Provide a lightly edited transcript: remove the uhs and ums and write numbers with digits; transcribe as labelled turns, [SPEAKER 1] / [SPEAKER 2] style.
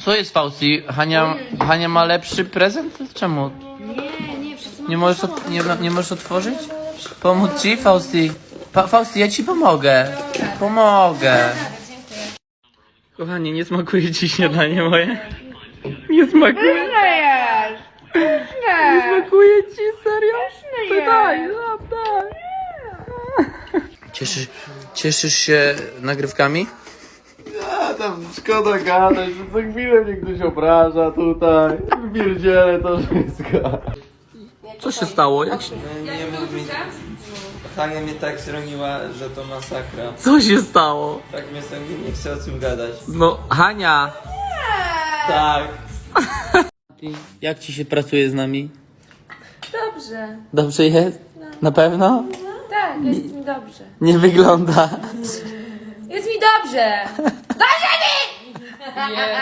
[SPEAKER 1] Co jest, Fausti? Hania ma lepszy prezent? Czemu?
[SPEAKER 2] Nie, wszyscy
[SPEAKER 1] Nie możesz otworzyć? Pomóc ci, Fausti? Fausti, ja ci pomogę. Pomogę. Kochanie, nie smakuje ci śniadanie moje? Nie smakuje?
[SPEAKER 2] jest!
[SPEAKER 1] Nie smakuje ci, serio? To daj, daj. Cieszysz się nagrywkami?
[SPEAKER 3] A tam szkoda gadać, że co chwilę mnie ktoś obraża tutaj. Pierdzielę to wszystko.
[SPEAKER 1] Co się stało? Jak się...
[SPEAKER 4] Nie mów mi. Hania mnie tak zroniła, że to masakra.
[SPEAKER 1] Co się stało?
[SPEAKER 4] Tak mnie nie chce o tym gadać.
[SPEAKER 1] No, Hania!
[SPEAKER 4] Tak.
[SPEAKER 1] Jak ci się pracuje z nami?
[SPEAKER 2] Dobrze.
[SPEAKER 1] Dobrze jest? Na pewno?
[SPEAKER 2] Tak, jest mi dobrze.
[SPEAKER 1] Nie wygląda.
[SPEAKER 2] Jest mi dobrze! Dobrze mi!